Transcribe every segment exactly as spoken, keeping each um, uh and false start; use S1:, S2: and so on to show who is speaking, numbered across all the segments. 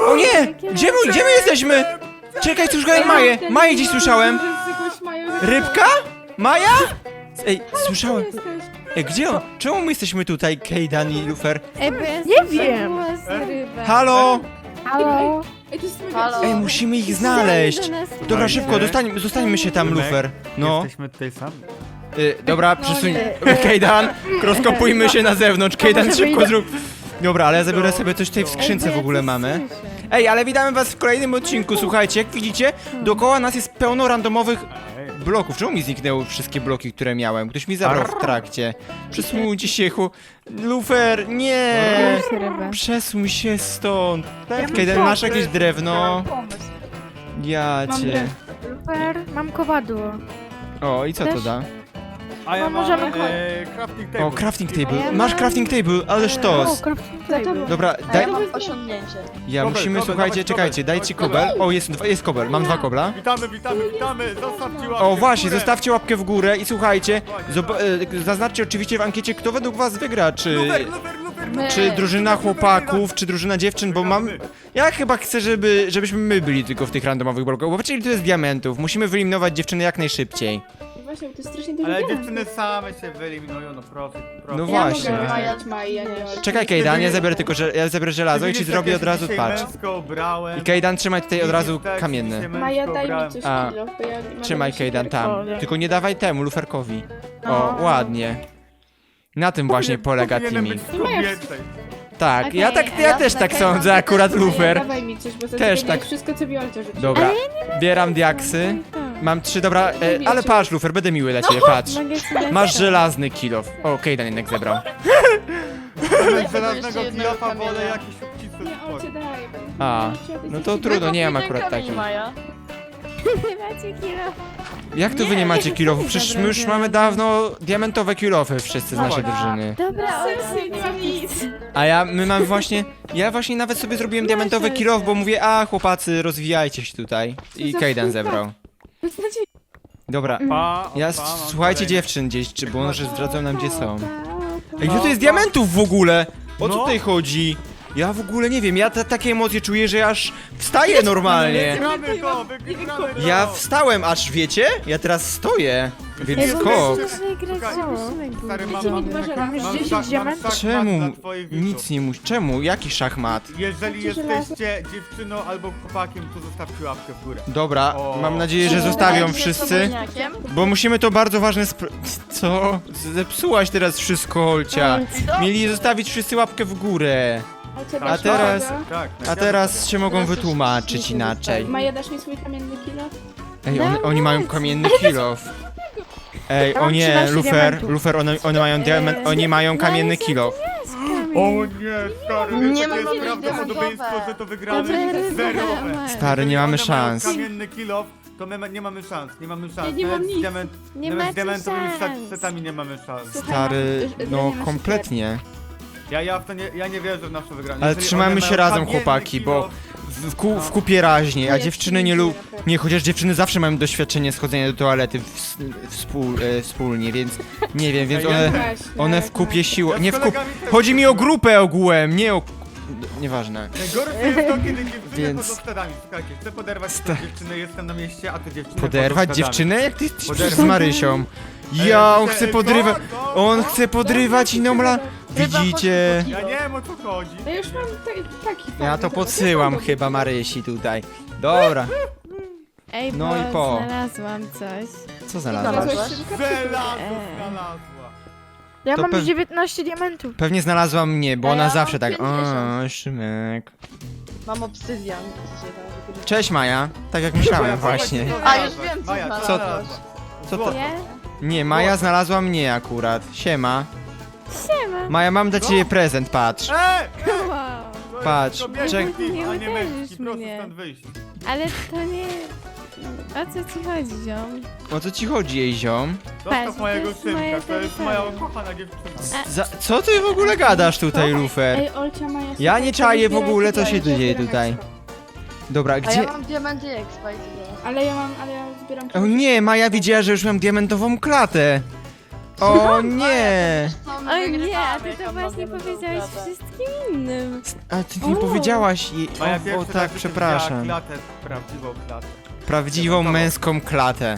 S1: O nie! Gdzie my, gdzie my jesteśmy? Czekaj, słyszałem Maję. Maję gdzieś słyszałem. Rybka? Maja? Ej, słyszałem. Ej, gdzie on? Czemu my jesteśmy tutaj, Kejdan i Lufer?
S2: Ej, bo ja
S3: Nie wiem.
S1: Halo?
S3: Halo?
S4: Halo.
S1: Ej, musimy ich znaleźć.
S2: Do nas
S1: Dobra, szybko, dostań, zostańmy się tam, Lufer. No.
S5: Jesteśmy tutaj sami.
S1: Y, dobra, przesuń. Kejdan, rozkopujmy się na zewnątrz. Kejdan, szybko zrób. Dobra, ale ja zabiorę sobie coś tutaj w skrzynce w ogóle mamy. Ej, ale witamy was w kolejnym odcinku, słuchajcie, jak widzicie, dookoła nas jest pełno randomowych bloków. Czemu mi zniknęły wszystkie bloki, które miałem? Ktoś mi zabrał w trakcie. Przesuńcie się, chu... Lufer, nie! Przesuń się stąd. Kejdan, masz jakieś drewno? Ja cię.
S3: Super, mam kowadło.
S1: O, i co to da?
S5: A ja
S3: No,
S5: mam
S3: możemy-
S5: e, crafting table.
S1: O, crafting
S2: A ja
S1: table.
S2: mam-
S1: Masz crafting table, ale
S3: O,
S1: sztos.
S3: crafting table.
S1: Dobra,
S4: A
S1: daj...
S4: ja mam osiągnięcie.
S1: Ja
S5: Kobel,
S1: musimy,
S5: kobel,
S1: słuchajcie,
S5: dawać
S1: czekajcie,
S5: kobel,
S1: dajcie
S5: dawać
S1: kobel. O, jest, dwa- jest kobel, mam dwa kobla.
S5: Witamy, witamy, witamy! Zostawcie łapkę
S1: O,
S5: w
S1: właśnie,
S5: górę.
S1: zostawcie łapkę w górę i słuchajcie, zob- e, zaznaczcie oczywiście w ankiecie, kto według was wygra, czy...
S5: Lufer, lufer, lufer,
S4: My.
S1: Czy drużyna chłopaków, czy drużyna dziewczyn, bo mam... Ja chyba chcę, żeby, żebyśmy my byli tylko w tych randomowych blokach, bo patrzcie, tu jest diamentów, musimy wyeliminować dziewczyny jak najszybciej.
S6: Właśnie, bo to jest strasznie dużo
S5: Ale
S6: diamentów.
S5: dziewczyny same się wyeliminują, no proszę, proszę.
S1: No
S6: Ja
S1: właśnie.
S6: mogę wymajać Mai, ja nie mam.
S1: Czekaj, Kejdan, ja zabiorę tylko, że ja zabiorę żelazo i ci
S5: Widzicie,
S1: zrobię
S5: jak
S1: od
S5: ja się
S1: razu,
S5: dzisiaj
S1: patrz.
S5: męsko ubrałem.
S1: I Kejdan, trzymaj tutaj od razu
S5: Widzisz, tak,
S1: kamienny.
S5: dzisiaj męsko
S6: Maja, daj mi
S5: ubrałem.
S6: coś
S1: A.
S6: kilo, bo ja mam
S1: Trzymaj,
S6: jakieś
S1: Kejdan, tam.
S3: O, nie.
S1: Tylko nie dawaj temu, luferkowi. O,
S3: No.
S1: ładnie. Na tym właśnie polega
S5: Powinienem
S1: teaming.
S5: być tylko więcej.
S1: Tak,
S2: Okej,
S1: ja tak,
S2: a
S1: ja
S2: ja
S1: też
S2: na
S1: tak
S2: Kejdan
S1: sądzę, akurat
S6: Maja,
S1: lufer.
S6: dawaj mi coś, bo za
S1: Też
S6: Też
S1: tak.
S6: tak. wszystko co Wiolcia rzuci.
S1: Dobra, bieram diaksy. Mam trzy, dobra, e, ale patrz, lufer, będę miły dla ciebie, patrz.
S2: mogę ci dać
S1: Masz
S2: to.
S1: żelazny kilof. O, Kejdan jednak zebrał.
S5: Zamiast żelaznego
S4: jeszcze jednego
S5: kilofa wolę
S4: kamienia.
S5: jakieś obcisłe
S6: Nie, on cię
S5: sport.
S6: daje.
S1: A, no to trudno, nie mam akurat takich.
S4: Maja.
S2: Macie kilo.
S1: Jak to wy nie macie kilofów? Przecież my już mamy dawno diamentowe kilofy wszyscy z naszej drużyny.
S2: Dobra,
S6: Serce, nie mam nic.
S1: A ja, my mamy właśnie, ja właśnie nawet sobie zrobiłem diamentowy kilof, bo mówię, a chłopacy, rozwijajcie się tutaj. I Kejdan zebrał. Dobra,
S5: Pa,
S1: ja,
S5: opa, mam
S1: słuchajcie
S5: kolejny.
S1: dziewczyn gdzieś, czy bo może zdradzą nam gdzie są. Ej, ile to jest diamentów w ogóle? O co
S5: No.
S1: tutaj chodzi? Ja w ogóle nie wiem, ja ta, takie emocje czuję, że aż wstaję normalnie.
S5: Wygramy go, wygramy go!
S1: Ja wstałem aż, wiecie? Ja teraz stoję, więc
S5: Ej,
S1: skok.
S5: Słuchaj, Stary, mam,
S6: Gdzie
S5: mam,
S6: mi dwa żelaza?
S5: mam,
S3: dziesięć
S5: szach- mam
S3: diamentów?
S5: szachmat
S1: Czemu?
S5: dla twoich widzów.
S1: Nic nie musi. Czemu? Jaki szachmat?
S5: Jeżeli
S6: Macie żelazo?
S5: jesteście dziewczyną albo chłopakiem, to zostawcie łapkę w górę.
S1: Dobra,
S5: O.
S1: mam nadzieję, że
S4: Czy
S1: zostawią
S4: będziecie
S1: wszyscy.
S4: sobotniakiem?
S1: Bo musimy to bardzo ważne spr... Co? Zepsułaś teraz wszystko, Olcia. Mieli zostawić wszyscy łapkę w górę.
S6: Olcia,
S1: A
S6: dasz mi
S1: teraz-
S6: tego?
S5: Tak.
S1: A teraz się mogą wytłumaczyć inaczej.
S6: Maja, dasz mi swój kamienny kilo?
S1: Ej, one, oni mają kamienny kilof. Ej,
S3: Ja
S1: o
S3: mam
S1: nie,
S3: trzynaście
S1: Lufer,
S3: diamentów.
S1: Lufer, one, one mają diament, oni mają kamienny kilof.
S5: O nie, stary,
S4: Nie
S5: nie
S4: ma
S5: jest
S4: kiedyś
S5: prawdopodobieństwo,
S4: diamentowe.
S5: że to wygramy.
S2: Dobra,
S5: Zerowe.
S2: dobra.
S1: Stary, nie mamy
S5: Jeżeli one mają
S1: szans.
S5: kamienny kilof, to my ma- nie mamy szans, nie mamy szans.
S6: Ja nie mam
S5: Nawet z
S6: nic.
S5: diament,
S2: Nie
S5: nawet z
S2: macie
S5: diamentowymi
S2: szans.
S5: setami nie mamy szans.
S6: Słuchaj,
S1: Stary,
S6: masz-
S1: no
S6: nie masz
S1: kompletnie.
S5: Ja, ja w to nie, ja nie wierzę w nasze wygranie.
S1: Ale
S5: Jeżeli
S1: trzymajmy
S5: one
S1: się
S5: mają
S1: razem,
S5: kamienny
S1: chłopaki, bo
S5: kilof,
S1: w, ku, w kupie raźniej, a
S6: jest
S1: dziewczyny nie lu...
S6: nieźle.
S1: Nie, chociaż dziewczyny zawsze mają doświadczenie schodzenia do toalety w, współ, e, wspólnie, więc nie wiem, więc
S5: Ej, ja
S1: one,
S6: Właśnie,
S1: one w
S6: tak,
S1: kupie
S6: tak.
S1: siły...
S5: Ja
S1: Nie
S5: z
S1: w kup...
S5: kolegami też
S1: Chodzi mi o
S5: chodziłem.
S1: grupę ogółem, nie o... Nieważne.
S5: Najgorsze jest to, kiedy dziewczyny
S1: Więc-
S5: chodzą stadami. Słuchajcie, chcę poderwać
S1: Sta-
S5: dziewczynę, jestem na mieście, a ty dziewczynę
S1: Poderwać
S5: chodzą stadami.
S1: dziewczynę? Jak ty jesteś
S5: Poderwać.
S1: z Marysią?
S5: Ej,
S1: Ja, on
S5: ej,
S1: chce
S5: ej,
S1: podrywać...
S5: co? Co?
S1: On
S5: Co?
S1: chce podrywać inną la... Widzicie?
S5: Ja nie wiem o co chodzi.
S6: Ja już mam ta- taki
S1: Ja
S6: fajny,
S1: to podsyłam chyba Marysi tutaj. Dobra,
S2: Ej,
S1: No
S2: bo
S1: i po.
S2: znalazłam coś.
S1: co znalazłaś?
S4: Znalazłaś?
S5: Żelazo
S2: Eee.
S5: znalazła.
S3: Ja
S1: To
S3: mam
S1: pew-
S3: dziewiętnaście diamentów.
S1: Pewnie znalazła mnie, bo
S4: A
S1: ona
S4: ja
S1: zawsze
S4: mam
S1: tak...
S4: pięćdziesiąt.
S1: O, Szymek...
S4: Mam obsydian. dzisiaj tam wykupię.
S1: Cześć Maja, tak jak myślałem właśnie.
S4: A, już wiem, co
S5: Maja,
S4: znalazłaś.
S1: Co
S5: znalazłaś?
S1: Co to?
S2: Nie?
S1: Nie, Maja znalazła mnie akurat. Siema.
S2: Siema.
S1: Maja, mam dla ciebie prezent, patrz.
S5: Ej!
S2: Wow.
S5: To
S1: Patrz,
S5: jest kobiety
S1: czek-
S5: team,
S2: Nie
S5: a nie
S2: uderzysz
S5: męski, proszę
S2: mnie.
S5: stąd wyjść.
S2: Ale to nie... O co ci chodzi, ziom?
S1: O co ci chodzi, jej ziom?
S5: Zostaw
S2: Patrz,
S5: mojego
S2: to jest moja
S5: synka, to jest moja
S2: terytorium.
S5: ukochana dziewczyna.
S1: Za, co ty w ogóle gadasz tutaj, Lufer?
S6: Ej, Olcia, Maja,
S1: Ja
S6: słuchaj,
S1: nie
S6: to
S1: czaję w
S6: zbieraj
S1: ogóle, co
S6: tutaj,
S1: się
S6: ja
S1: dzieje
S6: zbieram
S1: tutaj.
S6: expa.
S1: Dobra,
S4: A ja
S1: gdzie...
S4: mam diamenty i expa i tyle.
S6: Ale ja mam, ale ja zbieram...
S1: O nie, Maja widziała, że już mam diamentową klatę. O nie!
S4: Co, my
S2: Oj nie,
S4: wygrywamy,
S2: a ty to
S4: jak
S2: właśnie
S4: mamy
S2: powiedziałeś
S4: dobrą
S2: wszystkim innym.
S1: A ty nie
S6: O.
S1: powiedziałaś jej.
S5: Maja
S1: O, o
S5: pierwszy
S1: tak,
S5: raz
S1: przepraszam.
S5: widziała klatę, prawdziwą klatę.
S1: Prawdziwą
S5: Dementową.
S1: męską klatę.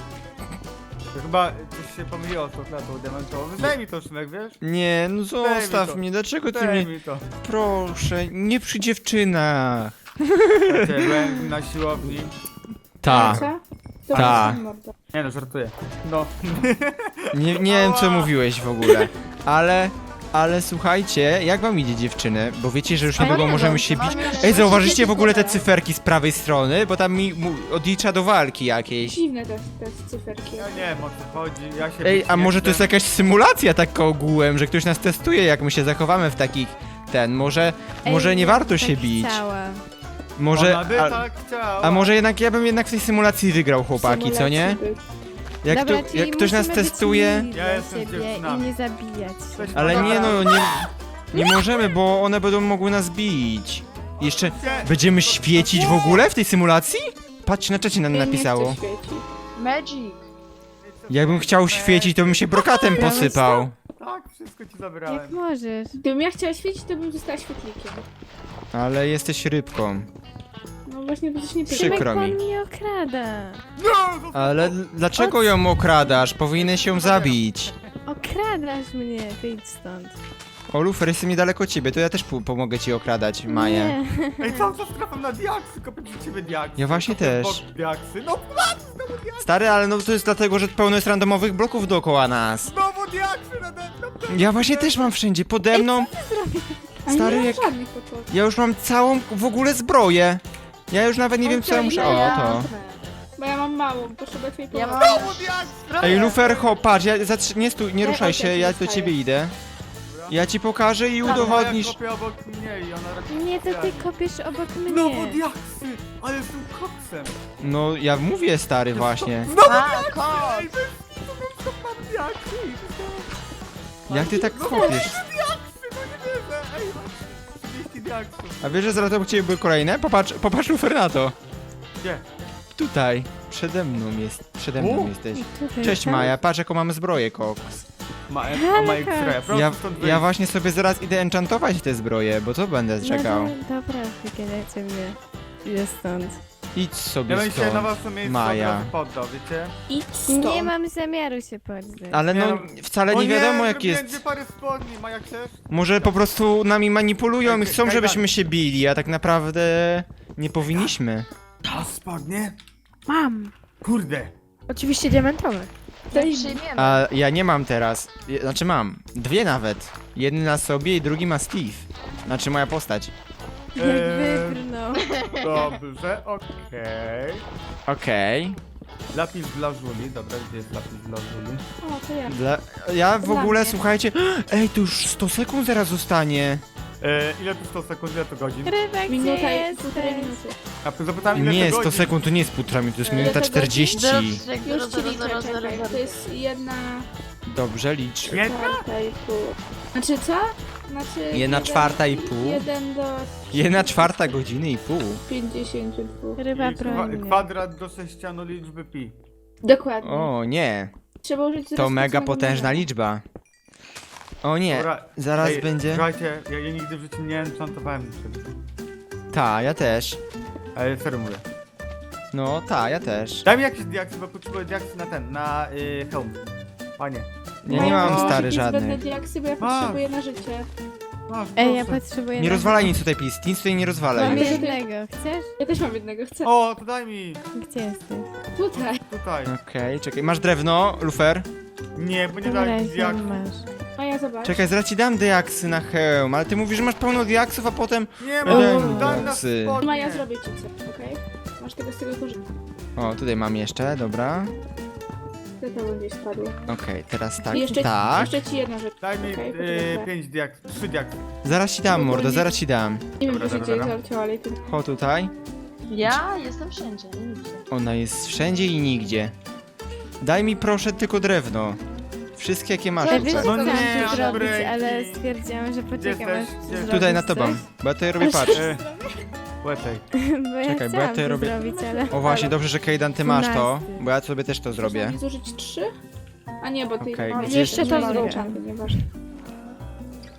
S5: To chyba coś się pomyliło z tą klatą dementową. Daj mi to, Szymek, wiesz?
S1: Nie, no zostaw
S5: to.
S1: mnie, dlaczego ty
S5: Daj
S1: mnie...
S5: mi to.
S1: Proszę, nie przy dziewczynach.
S5: Słuchajcie, byłem na siłowni.
S1: Ta,
S6: Co? To
S1: Ta.
S6: jest mordo.
S5: Nie no, żartuję. No.
S1: nie, nie wiem co
S5: Ała.
S1: mówiłeś w ogóle, ale... Ale słuchajcie, jak wam idzie dziewczyny? Bo wiecie, że już
S2: A
S1: niedługo
S2: nie,
S1: możemy
S2: no,
S1: się bić.
S4: mamy-
S1: Ej, zauważyliście w ogóle te cyferki z prawej strony? Bo tam mi mu odlicza do walki jakiejś.
S6: Dziwne te, te cyferki.
S5: Ja nie wiem o co chodzi, ja się
S1: Ej,
S5: bić
S1: a
S5: nie
S1: może to jest
S5: chcę.
S1: jakaś symulacja taka ogółem, że ktoś nas testuje, jak my się zachowamy w takich... Ten, może...
S2: Ej,
S1: Może nie
S2: ja
S1: warto
S2: bym
S1: się
S2: tak
S1: bić.
S2: Chciała.
S1: Może...
S5: Ona by
S1: A,
S5: tak chciała.
S1: a może jednak ja bym jednak w tej symulacji wygrał, chłopaki, co nie?
S6: Symulacji by-
S1: Jak,
S2: Dobra,
S1: tu,
S2: czyli
S1: jak ktoś nas
S2: musimy być
S1: testuje...
S2: mili
S5: Ja
S2: dla
S5: jestem z
S2: siebie i
S5: dziewczynami.
S2: nie zabijać się.
S5: Coś
S1: Ale nie
S5: pogadamy.
S1: no, nie... Nie możemy, bo one będą mogły nas bić. Jeszcze...
S5: Nie.
S1: Będziemy świecić w ogóle w tej symulacji? Patrz, na czacie nam
S6: Nie, nie
S1: napisało.
S6: chce świecić.
S4: Magic.
S1: Jakbym chciał świecić, to bym się brokatem posypał.
S5: Tak, wszystko ci
S2: Jak
S5: zabrałem.
S2: możesz?
S6: Gdybym ja chciała świecić, to bym została świetlikiem.
S1: Ale jesteś rybką.
S6: No właśnie, bo coś nie
S1: Przykro
S2: Szymek,
S1: mi.
S2: on mnie okrada.
S5: No!
S1: Ale l- dlaczego ją okradasz? Powinieneś ją zabić.
S2: Okradasz mnie, wyjdź stąd.
S1: O, Lufer, jestem niedaleko ciebie, to ja też po- pomogę ci okradać Maję.
S2: Nie.
S5: Ej, cały czas trafiam na diaksy, kopię przy ciebie diaksy.
S1: Ja właśnie
S5: kopię
S1: też.
S5: w bok Diaksy. No znowu diaksy,
S1: Stary, ale no to jest dlatego, że pełno jest randomowych bloków dookoła nas.
S5: znowu diaksy nade mną.
S1: Ja właśnie też mam wszędzie, pode mną.
S6: A
S1: Stary,
S6: nie
S1: jak-
S6: mam żadnych podpowiedzi.
S1: Ja już mam całą w ogóle zbroję. Ja już nawet nie wiem co ja muszę... O, to.
S6: Bo ja mam małą, potrzebuję twojej
S4: Ja
S6: pomocy.
S4: mam
S5: Znowu diaksy.
S4: zbroję.
S1: Ej, Lufer, ho, patrz, ja zatrzy... nie stój, nie
S6: Ja
S1: ruszaj
S6: też
S1: się,
S6: się
S1: ja do
S6: dostaję.
S1: ciebie idę. Ja ci pokażę i udowodnisz.
S5: Ja kopię obok mnie i ona raczej
S2: Nie, to ty
S5: specjalnie.
S2: kopiesz obok
S5: Znowu
S2: mnie.
S5: diaksy, ale jestem koksem.
S1: No, ja mówię, stary, właśnie.
S5: Znowu
S4: A,
S5: diaksy,
S4: kot.
S5: ej, bez kitu, non-stop mam diaksy.
S1: Jak ty tak
S5: No
S1: kopiesz?
S5: diaksy, no nie wierzę, ej, mam trzydzieści diaksów.
S1: A wiesz, że zaraz obok ciebie były kolejne? Popatrz, popatrz, Lufer, na to.
S5: Gdzie?
S1: Tutaj, przede mną jest, przede mną
S5: U.
S1: jesteś.
S2: Tutaj,
S1: Cześć
S2: tak?
S1: Maja, patrz jaką mamy zbroję, koks.
S5: Ma,
S2: Ale
S5: o ma
S2: tak.
S5: X-raya, prosto
S1: Ja,
S5: stąd
S1: ja
S5: wyjść.
S1: właśnie sobie zaraz idę enchantować te zbroje, bo to będę czekał.
S2: No, do, dobra, wygadajcie mnie. Idę stąd.
S1: Idź
S5: Ja
S1: sobie
S5: bym się na
S1: stąd.
S5: waszym miejscu
S1: Maja.
S5: od razu poddał, wiecie?
S6: Idź stąd.
S2: Nie mam zamiaru się poddać.
S1: Ale
S5: Nie
S1: no,
S5: no-
S1: wcale
S5: O
S1: nie wiadomo jak
S5: zrobiłem
S1: jest.
S5: dwie pary spodni, Maja, chcesz?
S1: Może po prostu nami manipulują i
S5: Ej,
S1: chcą,
S5: Kajdan.
S1: żebyśmy się bili, a tak naprawdę nie powinniśmy.
S5: A spodnie?
S3: Mam.
S5: Kurde.
S3: Oczywiście diamentowe.
S6: Daj-
S4: Przyjmiemy.
S1: A ja nie mam teraz. Je- Znaczy mam. Dwie nawet. Jeden na sobie i drugi ma Steve. Znaczy moja postać.
S2: Jak
S5: Eee,
S2: wybrnął.
S5: Dobrze, okej.
S1: Okej.
S5: Lapis dla Żuli, dobra, gdzie jest lapis dla Żuli?
S6: O, to ja.
S1: Dla... Ja w
S6: Dla
S1: ogóle,
S6: mnie.
S1: słuchajcie... Ej, to już sto sekund zaraz zostanie.
S5: E, ile to sto sekund, ile to godzin?
S2: Rybek, gdzie
S6: Minuta i półtorej
S2: jesteś?
S6: minuty.
S5: A ty zapytałem ile
S1: Nie,
S5: to
S1: sto
S5: godzin.
S1: sekund to nie jest półtora minuty, to jest
S6: E,
S1: minuta
S6: to godzin?
S1: czterdzieści.
S4: Zero,
S6: Już
S4: zero,
S6: ci
S4: zero,
S6: liczę,
S4: zero, zero,
S6: czekaj.
S4: zero.
S6: To jest jedna
S1: Dobrze, licz.
S5: Jedna?
S6: czwarta i pół. Znaczy co? Znaczy...
S1: Jedna
S6: jeden-
S1: czwarta i pół?
S6: Jeden do
S1: Jedna czwarta godziny i pół.
S6: pięćdziesięciu dwóch.
S2: Ryba
S5: I kwa
S2: broń mnie.
S5: kwadrat do sześcianu liczby pi.
S6: Dokładnie.
S1: O, nie.
S6: Trzeba użyć
S1: To
S6: zero
S1: mega
S6: specjalnego
S1: potężna
S6: numeru.
S1: liczba. O nie,
S5: Dobra,
S1: zaraz
S5: ej,
S1: będzie...
S5: Słuchajcie, ja, ja nigdy w życiu nie enchantowałem niczego.
S1: Ta, ja też.
S5: Ale serio mówię.
S1: No, ta, ja też.
S5: Daj mi jakieś diaksy, bo potrzebuję diaksy na ten, na y, hełm. Panie.
S1: Ja nie
S6: Mają
S1: mam
S6: jakieś
S1: stary
S6: zbędne
S1: żadnych.
S6: diaksy, bo ja
S5: Masz.
S6: potrzebuję na życie.
S5: Masz,
S2: Ej, ja
S5: proszę.
S2: potrzebuję...
S1: Nie
S2: na-
S1: rozwalaj nic tutaj, please. Nic tutaj nie rozwalaj.
S2: Mam
S6: Mamy-
S2: jednego, chcesz?
S6: Ja też mam jednego, chcę.
S5: O, to daj mi!
S2: Gdzie jesteś?
S6: Tutaj.
S5: Tutaj.
S1: Okej, czekaj. Masz drewno, Lufer?
S5: Nie, bo nie
S2: Dobra,
S5: daj mi
S2: jak
S5: diaksów.
S2: masz.
S6: A ja zobacz.
S1: Czekaj, zaraz ci dam diaksy na hełm, ale ty mówisz, że masz pełno diaksów, a potem...
S5: Nie,
S1: Daj
S5: bo
S1: mi
S5: daj na
S1: diaksy.
S5: spodnie.
S6: Ma, ja zrobię ci coś, okej? Masz tego z tego korzystać.
S1: O, tutaj mam jeszcze, dobra.
S6: To to gdzieś spadło.
S1: Okej, teraz tak,
S6: I jeszcze,
S1: tak.
S6: jeszcze ci jedna rzecz.
S5: Daj mi
S6: Okej,
S5: y,
S6: poczekaj.
S5: pięć diaksów, trzy diaksy.
S1: Zaraz ci dam, mordo, zaraz ci dam.
S6: Nie wiem,
S5: Dobra,
S6: gdzie się
S5: dobra,
S6: dzieje
S5: dobra.
S6: zaleciało, ale i tu.
S1: Chodź tutaj.
S4: Ja jestem wszędzie, nigdzie.
S1: Ona jest wszędzie i nigdzie. Daj mi proszę tylko drewno. Wszystkie jakie masz.
S2: Ja
S4: No
S2: wiesz, co
S1: tutaj.
S5: nie,
S2: chciałam tu zrobić,
S5: breaki.
S2: ale stwierdziłam, że poczekam
S5: jesteś?
S2: aż
S5: Gdzie
S2: ty
S5: jesteś?
S1: Tutaj na
S2: zrobisz
S1: tobą,
S2: coś.
S1: bo ja tutaj robię, patrz.
S5: E, Łepej.
S2: Bo ja
S1: Czekaj, bo ja
S2: chciałam
S1: tutaj
S2: to
S1: robię-
S2: zrobić, ale...
S1: O właśnie, dobrze, że Kejdan, ty masz to,
S2: Dwunasty.
S1: bo ja sobie też to zrobię.
S6: Można mi zużyć trzy? A nie, bo ty...
S1: Okej,
S6: no,
S1: gdzie
S6: jeszcze
S2: jest
S6: to
S2: drugi?
S6: zrobię, nieważne.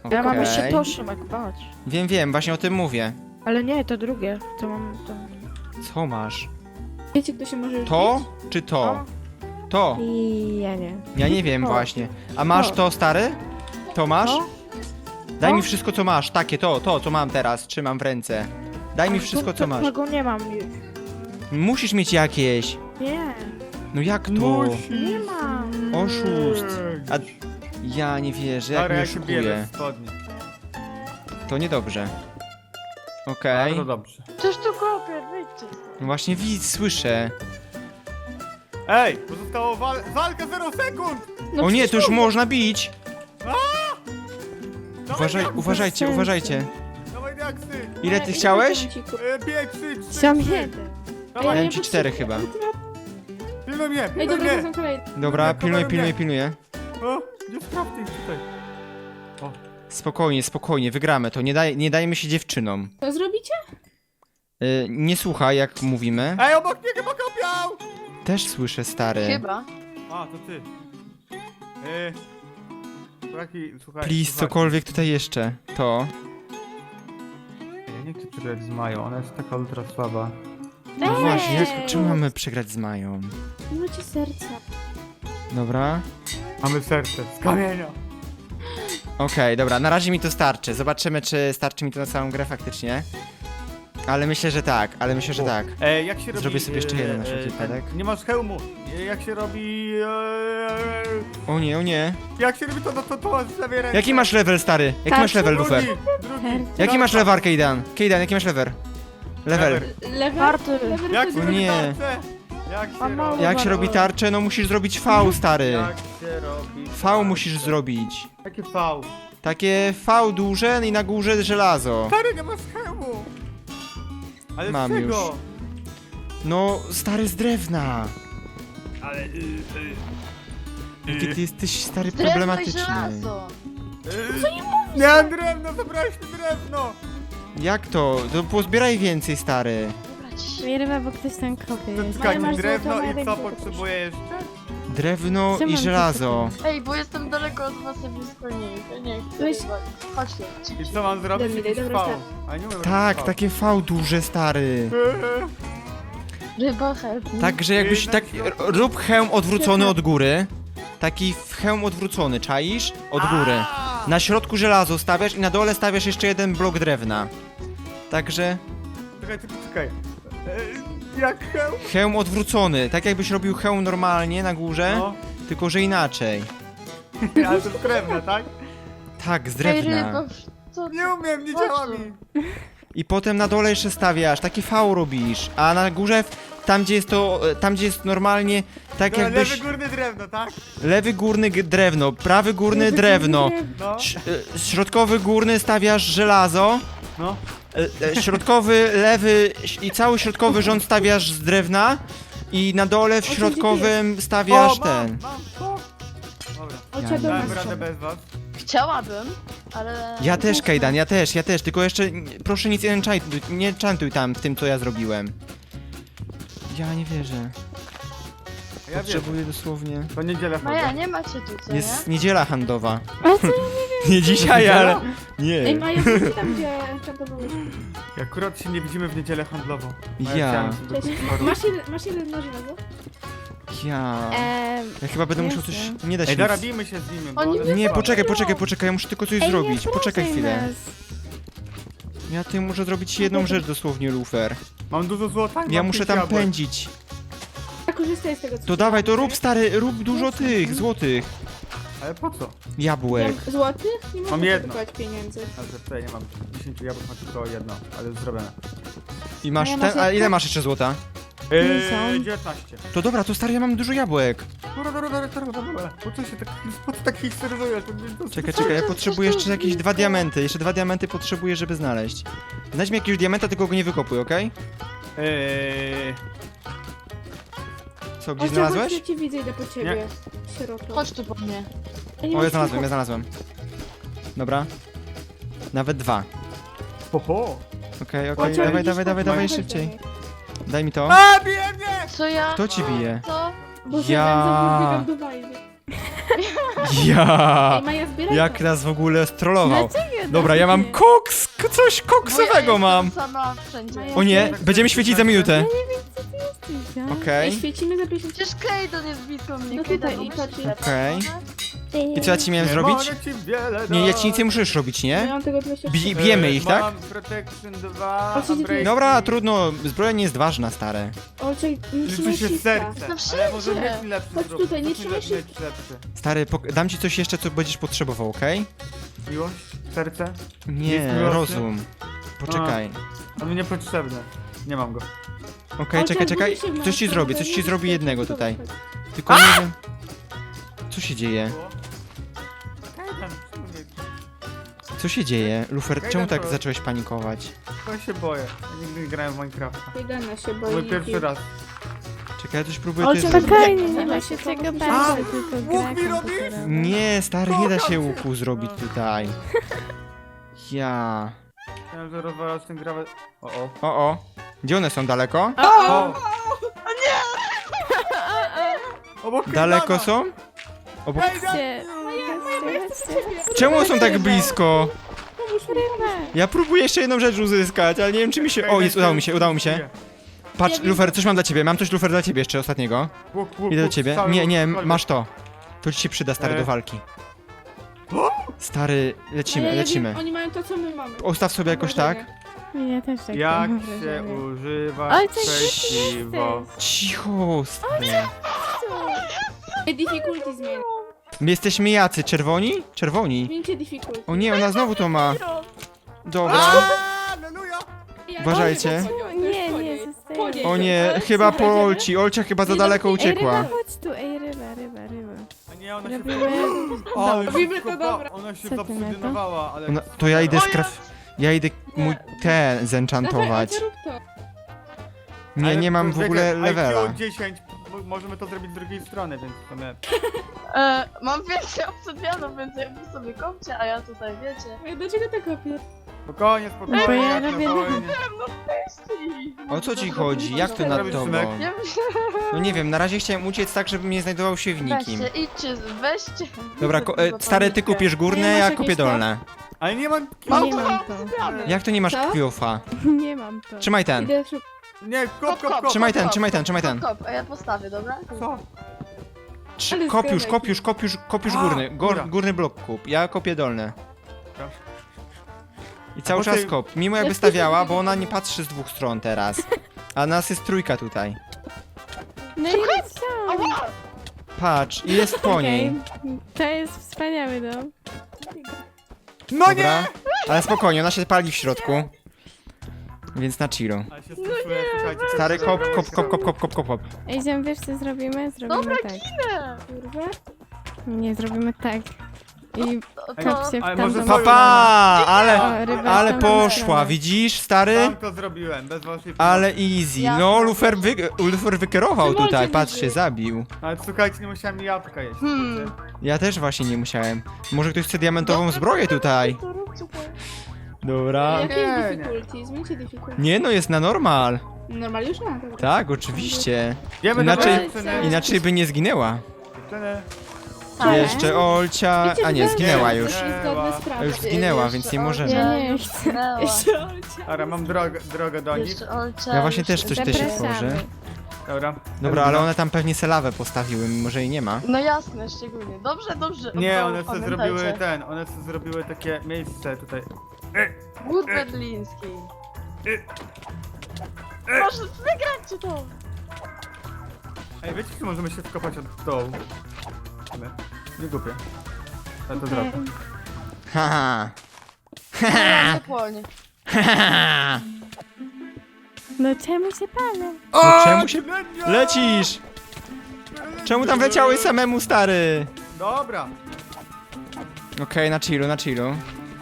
S3: Ja mam
S1: Okej.
S3: jeszcze to, Szymek, patrz.
S1: Wiem, wiem, właśnie o tym mówię.
S3: Ale nie, to drugie. To mam to.
S1: Co masz?
S6: Wiecie, kto się może już
S1: To czy to? To.
S3: I ja nie.
S1: Ja nie wiem
S3: To.
S1: właśnie. A masz
S3: To.
S1: to, stary? To masz?
S3: To?
S1: Daj
S3: To?
S1: mi wszystko, co masz. Takie, to, to, co mam teraz. Trzymam w ręce. Daj mi wszystko, co masz.
S3: Tego nie mam już.
S1: Musisz mieć jakieś.
S3: Nie,
S1: No jak to?
S3: nie mam.
S1: Oszust. A ja nie wierzę, jak
S5: Stary,
S1: mnie
S5: ja się biorę
S1: oszukuje.
S5: w spodnie.
S1: To niedobrze. Okej.
S5: Bardzo dobrze.
S4: Coś tu kopię, wyjdźcie.
S1: No właśnie widz, słyszę.
S5: Ej, pozostało wal walka zero sekund!
S6: No
S1: O nie,
S6: przecież
S1: to już
S6: mówię.
S1: można bić.
S5: Dawaj,
S1: Uważaj,
S5: diaksy,
S1: uważajcie,
S3: sensu.
S1: uważajcie.
S5: Dawaj diaksy!
S1: Ile
S6: Ale
S1: ty
S6: ile
S1: chciałeś?
S6: diamencików?
S5: E, pięć, trzy, trzy,
S3: Sam
S5: trzy.
S3: jeden.
S6: Ej,
S5: Dawaj,
S6: ale
S1: Miałem
S6: ja
S1: ci cztery
S6: potrzebuję-
S5: pilnuj mnie,
S6: Ej,
S5: pilnuj
S6: dobra, to
S5: mnie!
S6: są kolejne.
S1: Dobra,
S5: Pilnuję,
S1: pilnuję,
S5: kameruję.
S1: pilnuję, pilnuję.
S5: O, nie sprawdź ich tutaj.
S1: Spokojnie, spokojnie, wygramy to. Nie, daj, nie dajmy się dziewczynom.
S6: Co zrobicie?
S1: Y, nie słuchaj, jak mówimy.
S5: Ej, obok mnie chyba kopiał!
S1: Też słyszę, stary.
S4: Chyba.
S5: A, to ty. Eee... Słuchaj, słuchaj.
S1: Please,
S5: słuchaj.
S1: cokolwiek tutaj jeszcze. To.
S5: Ja nie chcę przegrać z Mają, ona jest taka ultra słaba.
S1: No
S3: Ej!
S1: właśnie, jak, czemu mamy przegrać z Mają?
S6: Nie macie serca.
S1: Dobra.
S5: Mamy serce z kamienia.
S1: Okej, dobra, na razie mi to starczy. Zobaczymy, czy starczy mi to na całą grę faktycznie. Ale myślę, że tak, ale myślę, że tak.
S5: E, jak się robi...
S1: Zrobię sobie jeszcze jeden na
S5: e,
S1: wszelki
S5: e,
S1: wypadek.
S5: Nie masz hełmu. E, jak się robi... E,
S1: O nie, o nie.
S5: jak się robi to, to, to, to masz w lewej ręce.
S1: Jaki masz level, stary? Jaki
S3: Tak,
S1: masz level,
S5: Drugi,
S1: Lufer?
S5: drugi.
S1: Jaki masz level, Kejdan? Kejdan, jaki masz level? Level.
S6: Lewy?
S3: Warty.
S6: Lewy
S5: Jak
S6: to
S5: się
S6: jest-
S5: robi
S1: Nie.
S5: tarczę? Jak
S3: A
S5: się
S3: mało
S5: robi...
S1: Jak się robi tarczę? No musisz zrobić V, stary.
S5: Jak się robi...
S1: V musisz zrobić.
S5: Jakie V?
S1: Takie V duże i na górze żelazo.
S5: Stary, nie masz hełmu. Ale
S1: Mam
S5: z czego?
S1: już. No, stary z drewna.
S5: Ale... Y, y,
S1: Jaki ty jesteś, stary,
S4: Drewno i
S1: problematyczny.
S4: żelazo.
S5: y, nie mam drewno, zabrałeś mi drewno.
S1: Jak to? To pozbieraj więcej, stary.
S4: Dobra, ciii.
S2: Nie ryba, bo ktoś tam kopie jest.
S5: Czekaj,
S6: masz
S5: drewno
S6: złoto,
S5: i
S6: Marek,
S5: co
S6: złoto
S5: potrzebuję jeszcze?
S1: Drewno
S2: Co
S1: i
S2: mam
S1: żelazo.
S4: Ej, bo jestem daleko od was, a blisko nie. To nie chcę.
S6: Weź.
S4: Chodź tu.
S5: I co mam zrobić?
S6: Daj mi, daj,
S5: Jakiś
S6: dobra,
S5: V.
S6: start.
S5: A nie umiem
S1: Tak,
S5: robić V.
S1: takie V duże, stary.
S4: Ryba help me.
S1: Także jakbyś tak... Rób hełm odwrócony od góry. Taki hełm odwrócony, czaisz? Od góry.
S5: A!
S1: Na środku żelazo stawiasz i na dole stawiasz jeszcze jeden blok drewna. Także
S5: Czekaj, czekaj, czekaj. E, jak hełm?
S1: hełm odwrócony, tak jakbyś robił hełm normalnie na górze,
S5: No.
S1: tylko że inaczej.
S5: Ale to jest drewno, tak?
S1: Tak, z
S4: Ej,
S1: drewna.
S4: ryba, co ty?
S5: Nie umiem, nie
S4: Chodź
S5: działa
S4: tu.
S5: mi.
S1: I potem na dole jeszcze stawiasz, taki V robisz, a na górze, tam gdzie jest to, tam gdzie jest normalnie, tak
S5: Dobra,
S1: jakbyś...
S5: lewy górny drewno, tak?
S1: Lewy górny g- drewno, prawy górny drewno,
S5: No.
S1: ś- e, środkowy górny stawiasz żelazo,
S5: No.
S1: e, e, środkowy, lewy i cały środkowy rząd stawiasz z drewna i na dole w
S6: czym ty
S1: środkowym stawiasz
S5: o,
S1: ten.
S5: mam, mam, to. Dobra.
S6: Ocia do
S5: Dałem
S6: nas.
S5: radę bez was.
S4: Chciałabym, ale...
S1: Ja też, Kejdan, ja też, ja też, tylko jeszcze n- proszę nic nie enchantuj, nie enchantuj tam w tym, co ja zrobiłem. Ja nie wierzę.
S5: Ja wiem,
S1: Potrzebuję dosłownie...
S5: to niedzielę
S4: Maja,
S5: chodzę.
S4: nie macie tu, co nie?
S1: Jest niedziela handlowa.
S2: Ale co ja
S1: Nie dzisiaj, ale... Nie.
S6: Ej, Maja, wróć tam, gdzie enchantowałeś.
S5: Akurat się nie widzimy w niedzielę handlową. Ale
S1: Ja.
S5: chciałem sobie
S6: Cześć.
S5: kupić paru.
S6: Masz ile, masz ile na żelazo?
S1: Ja...
S2: Eee,
S1: Ja chyba będę musiał coś...
S2: Jestem.
S1: Nie da się
S5: Ej,
S1: nic...
S5: dorabimy się z nimi, bo
S4: Oni
S5: one
S1: Nie,
S5: są
S1: poczekaj,
S5: słabe.
S1: poczekaj, poczekaj, ja muszę tylko coś
S2: ej,
S1: zrobić.
S2: nie
S1: Poczekaj
S2: wprowadzaj
S1: chwilę.
S2: nas.
S1: Ja ty muszę zrobić jedną rzecz dosłownie, Lufer.
S5: Mam dużo złota i
S1: Ja
S5: mam
S1: muszę
S5: pięć
S1: tam
S5: jabłek.
S1: pędzić.
S6: Ja korzystaj z tego, co
S1: To
S6: ci
S1: dawaj, to
S6: dam,
S1: rób
S6: okej?
S1: stary, rób dużo tych, złotych.
S5: Ale po co?
S1: Jabłek.
S6: Wiem, Złotych? Nie
S5: Mam
S6: można
S5: jedno.
S6: kupować pieniędzy.
S5: A że tutaj nie mam dziesięć jabłek, mam tylko jedno, ale już zrobione.
S1: I masz
S2: A ja
S1: ten,
S2: masz
S1: a ile
S2: jeszcze?
S1: masz jeszcze złota?
S5: Eee,
S2: są.
S5: dziewiętnaście.
S1: To dobra, to stary, ja mam dużo jabłek.
S5: Dobra, dobra, dobra, dobra, dobra. Po co się tak, po co tak histeryzujesz? To- to- to-
S1: Czekaj, czekaj, ja potrzebuję jeszcze jakieś dwa diamenty. Jeszcze dwa diamenty potrzebuję, żeby znaleźć. Znajdź mi jakiegoś diamenta, tylko go nie wykopuj, okej?
S5: Eee,
S1: Co, gdzieś
S6: Ocia,
S1: znalazłeś?
S6: chodź, ja cię widzę, idę po ciebie. Sieroto.
S4: Chodź tu po mnie.
S6: Ja nie
S1: O,
S6: mam
S1: ja znalazłem, ja
S6: samochodu.
S1: znalazłem. Dobra. Nawet dwa.
S5: ho, ho.
S1: Okej,
S6: Ocia,
S1: okej, dawaj,
S6: widzisz,
S1: dawaj, dawaj,
S6: chodź,
S1: dawaj
S6: chodź do
S1: szybciej.
S6: mnie.
S1: Daj mi to.
S5: A, bije mnie!
S4: Co ja?
S1: Kto ci bije?
S4: Co?
S6: Boże,
S1: Ja-
S6: ja... biegam do wajzy.
S1: Ja!
S6: Ej, Maja, zbieraj
S1: Jak
S6: to.
S1: nas w ogóle strollował.
S2: Dlaczego
S1: Dobra, ja mam koks, k- coś koksowego mam.
S4: sama wszędzie.
S6: Maja,
S1: O nie, będziemy świecić za minutę.
S2: jesteś, no?
S1: Okej.
S6: Ej, świecimy za pięćdziesiąt.
S4: Przecież Kaden jest blisko mnie.
S6: No
S4: Kaden,
S6: tutaj i
S4: no
S6: patrz.
S4: myślę,
S1: Okej.
S4: może?
S1: I co ja ci miałem
S5: Nie
S1: zrobić?
S5: mogę ci wiele
S1: Nie, ja ci
S5: dać.
S1: nic nie musisz robić,
S6: Ja
S1: nie?
S6: mam tego dwadzieścia trzy.
S1: Bi bijemy ich, tak?
S5: Mam Protection dwa,
S6: O, co ty tu jest?
S1: Dobra, trudno, zbroja nie jest ważna, stare.
S6: O, czekaj, nie
S5: Liczy
S6: trzymaj
S5: się
S6: ściska.
S5: serce,
S4: No
S5: ale może
S4: wszędzie.
S5: mieć lepszy
S6: Chodź
S5: zrób.
S6: tutaj, nie
S5: Chodź
S6: trzymaj
S5: mieć
S6: się.
S5: lepszy.
S1: Stary, pok- dam ci coś jeszcze, co będziesz potrzebował, okej?
S5: Miłość? Serce?
S1: Nie,
S5: Jest miłosny?
S1: rozum. Poczekaj.
S5: On mi niepotrzebny. Nie mam go.
S1: Okej,
S6: O,
S1: czekaj,
S6: czekaj,
S1: czekaj.
S6: budzi się w
S1: Coś ci
S6: nas,
S1: zrobię,
S6: to
S1: coś ci
S6: nie-
S1: zrobię jednego
S6: to
S1: tutaj.
S6: chodź.
S1: Tylko nie wiem... Co się dzieje?
S5: Kaden, czemu nie-
S1: Co się dzieje? Lufer,
S5: Kajdan,
S1: czemu tak
S5: to-
S1: zacząłeś panikować?
S5: To się boję. Ja nigdy nie grałem w Minecrafta.
S6: Kajdana się boi.
S5: Mój pierwszy raz.
S1: Czekaj, ja coś próbuję
S6: O,
S1: też
S6: czekaj,
S1: zrobić.
S2: Spokojnie, nie
S6: Zobacz,
S2: ma się
S6: to
S2: czego
S6: musi-
S2: bać,
S5: A,
S2: to tylko
S5: łuk
S2: gra
S5: mi robisz?
S2: komputerowa.
S1: Nie, stary, nie da się łuku zrobić tutaj. Ja...
S5: Chciałem, że rozwalasz ten grawę. O, o.
S1: O, o. Gdzie one są? Daleko?
S5: O! Obok
S1: Daleko
S5: Kajdana.
S1: są? Obok...
S2: Chodźcie, chodźcie, chodźcie.
S1: Czemu są tak blisko?
S6: Pomóż mi.
S2: Ryba.
S1: Ja próbuję jeszcze jedną rzecz uzyskać, ale nie wiem czy mi się... O, jest, udało mi się, udało mi się. Patrz, Lufer, coś mam dla ciebie, mam coś Lufer dla ciebie jeszcze ostatniego.
S5: Łuk, łuk,
S1: Idę do
S5: łuk,
S1: ciebie.
S5: cały
S1: Nie,
S5: łuk,
S1: nie,
S5: cały
S1: masz to. To ci się przyda, stary,
S5: E.
S1: do walki. Stary,
S6: A
S1: lecimy,
S6: ja, ja
S1: lecimy.
S6: Wiem, oni mają to, co my mamy.
S1: Ustaw sobie jakoś tak.
S2: Ja też tak
S5: Jak
S2: mam
S5: się
S2: wrażenie.
S5: używa
S2: Oj, co ty
S5: sprzeciwo?
S2: jesteś?
S1: Cicho, stary.
S6: Ej, difficulty zmień.
S1: My jesteśmy jacy? Czerwoni? Czerwoni.
S6: Zmieńcie difficulty.
S1: O nie, ona znowu to ma. Dobra.
S5: Aleluja!
S6: Ej,
S1: Uważajcie.
S6: to jest
S2: Nie,
S6: po
S2: nie,
S6: niej.
S2: zostajemy.
S6: Po niej.
S1: O nie,
S6: Ale
S1: chyba po
S6: słuchajcie,
S1: Olci. Olcia chyba za
S6: Nie,
S1: daleko
S6: no,
S2: Ej, ryba,
S1: uciekła.
S2: chodź tu, ej, ryba, ryba, ryba.
S5: A nie, ona się
S2: Robimy...
S5: Ale
S6: Robimy
S5: szybko
S6: to,
S5: pa-
S6: dobra.
S5: Ona się
S2: Co ty na to?
S5: zaobsydynowała, ale...
S1: Ona, to ja idę
S4: O
S1: skraf... Ja idę mój ten
S6: Dawaj,
S1: zenchantować.
S6: Olcia, rób to.
S1: Nie,
S5: Ale
S1: nie mam w
S5: czekaj,
S1: ogóle
S5: I Q
S1: levela.
S5: dziesięć, mo- możemy to zrobić z drugiej strony, więc to my...
S4: E, mam więcej obsydianów, więc jakby sobie kopcie, a ja tutaj wiecie.
S6: Ej, dlaczego tak kopię?
S5: Spokojnie, spokojnie,
S2: Bo ja
S5: jak na
S2: robię-
S5: wojnie.
S4: No weźcie.
S1: O co ci chodzi? Jak to nad
S5: Robisz
S1: tobą?
S5: synek?
S4: Nie
S1: No nie wiem, na razie chciałem uciec tak, żeby nie znajdował się w nikim.
S4: weźcie, idźcie, weźcie.
S1: Dobra, ko- e, stary, ty kupisz górne,
S6: Ej,
S1: ja
S6: masz
S1: kupię
S6: jakieś to?
S1: dolne.
S5: Ale nie mam...
S4: Mam
S2: Nie
S4: to
S2: mam to.
S4: obsydiany.
S1: Jak to nie masz
S6: Co?
S1: kiofa?
S2: Nie mam to.
S1: Trzymaj ten.
S6: Idę szukać.
S5: Nie, kop, kop, kop!
S1: Trzymaj ten,
S4: kop,
S1: trzymaj ten,
S4: kop,
S1: trzymaj ten.
S4: Kop, kop, a ja postawię, dobra?
S5: Co?
S1: Trzy,
S6: Ale
S1: kopiusz,
S6: zgadaj.
S1: kopiusz, kopiusz, kopiusz
S5: A,
S1: górny. Gór,
S5: dobra.
S1: górny blok kup. Ja kopię dolne.
S5: Dobra.
S1: I cały
S5: A po
S1: czas
S5: tej-
S1: kop. Mimo jakby
S6: Ja
S1: stawiała,
S6: wpiszę
S1: bo ona
S6: sobie
S1: nie patrzy z dwóch stron teraz. A nas jest trójka tutaj.
S2: No i co?
S4: Ała!
S1: Patrz, i jest po niej.
S2: Okej, to jest wspaniały dom.
S5: No nie!
S1: Dobra. Ale spokojnie, ona się pali w środku. Więc na chillu.
S5: Ale się stresuję, słuchajcie.
S1: Stary kop, kop, kop, kop, kop, kop, kop, kop.
S2: Ej, ziom, wiesz co zrobimy? Zrobimy
S4: Dobra,
S2: tak.
S4: ginę!
S6: Kurwa.
S2: Nie, zrobimy tak. I
S4: To,
S2: kop
S4: to,
S2: się w
S5: Ale
S2: tamtą
S5: może
S1: Papa,
S5: Dobra.
S1: ale,
S2: O, ryba
S1: ale
S2: w tamtą
S1: poszła,
S2: stronę.
S1: widzisz, stary?
S5: Sam to zrobiłem, bez waszej
S1: Ale easy.
S4: Ja-
S1: No, Lufer, wy, Lufer wykierował
S6: Szymon
S1: tutaj,
S6: cię
S1: patrz,
S6: wyżył.
S1: się zabił.
S5: Ale słuchajcie, nie musiałem jabłka jeść.
S4: Hmm.
S5: wiecie?
S1: Ja też właśnie nie musiałem. Może ktoś chce diamentową
S4: Dobra,
S1: zbroję tutaj.
S4: To róbcie to.
S1: Dobra.
S6: Jakie
S5: Nie,
S6: jest
S5: nie.
S6: difficulty? Zmieńcie difficulty.
S1: Nie no, jest na normal.
S6: Normal już ma, dobra.
S1: Tak, oczywiście.
S5: Wiemy,
S1: Inaczej-
S5: dobra, dziewczyny,
S1: Inaczej by nie zginęła.
S5: dziewczyny.
S2: Ale-
S1: Jeszcze Olcia...
S6: Wiecie,
S1: A nie,
S6: że
S1: zginęła
S6: to
S1: już.
S6: jest zgodne z
S1: A
S6: prawem.
S1: już zginęła, więc nie możemy.
S2: Ja nie chcę.
S4: Zginęła.
S6: Jeszcze Olcia.
S5: Dobra, mam drogę, drogę do nich.
S4: Jeszcze Olcia.
S1: Ja właśnie
S4: już-
S1: też coś też się
S2: Zapraszamy.
S1: tworzy.
S5: Dobra.
S1: Dobra, ale one tam pewnie se lawę postawiły, mimo że jej nie ma.
S4: No jasne, szczególnie. Dobrze, dobrze.
S5: Nie,
S4: O,
S5: one sobie
S4: pamiętajcie.
S5: zrobiły ten, one sobie zrobiły takie miejsce tutaj.
S4: Głód berliński. Proszę, wygracie to!
S5: Ej, wiecie, czy możemy się wkopać od dołu? My. Nie głupie. Ja to zrobię.
S1: Haha.
S4: Nie płonie.
S1: Haha.
S2: No czemu się palę?
S1: No czemu się...
S5: Ślednia!
S1: Lecisz! Czemu tam wleciałeś samemu, stary?
S5: Dobra.
S1: Okej, na chillu, na chillu.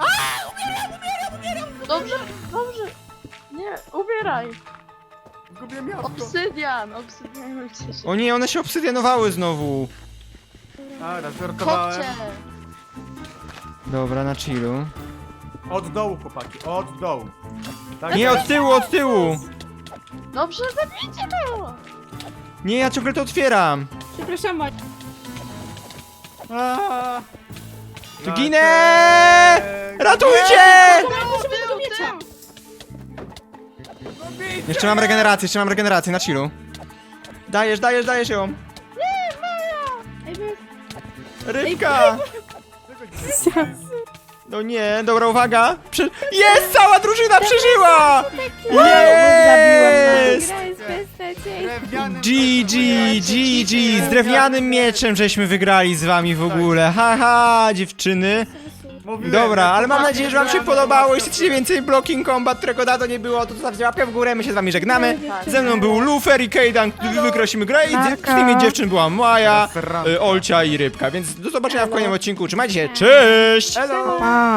S4: Dobrze, dobrze. Nie, ubieraj.
S5: Zgubiłem jabłko.
S4: Obsydian, obsydianujcie się.
S1: O nie, one się obsydianowały znowu.
S5: Dobra, żartowałem.
S4: Kopcie.
S1: Dobra, na chillu.
S5: Od dołu, chłopaki, od dołu. Tak?
S1: Nie, od tyłu, od tyłu!
S4: Dobrze, zabijcie to!
S1: Nie, ja ciągle to otwieram.
S6: Przepraszam, Maja.
S5: Aaa.
S1: Tu ginę! Ratujcie!
S6: Musimy tego miecza!
S1: Jeszcze mam regenerację, jeszcze mam regenerację, na chillu. Dajesz, dajesz, dajesz ją.
S6: Ej, wy...
S1: Rybka! No nie, dobra, uwaga! Prze jest! Cała drużyna przeżyła! Jest!
S2: Gra jest beznadziejna.
S5: Drewnianym
S1: G G, G G, z drewnianym mieczem żeśmy wygrali z wami w ogóle. Haha, dziewczyny.
S5: Mówiłem,
S1: Dobra,
S5: jak
S1: ale mam
S5: chłopaki
S1: nadzieję, że wam się
S5: grają, to
S1: podobało.
S5: zobaczą.
S1: Jeśli chcecie więcej Blocking Combat, którego dawno nie było, to zostawcie łapkę w górę, my się z wami żegnamy. Ze mną był Lufer i Kejdan, wygraliśmy grę i z tymi dziewczyn była Maja, y, Olcia i Rybka, więc do zobaczenia w kolejnym odcinku. Trzymajcie się, cześć!
S5: Hello!
S3: Pa.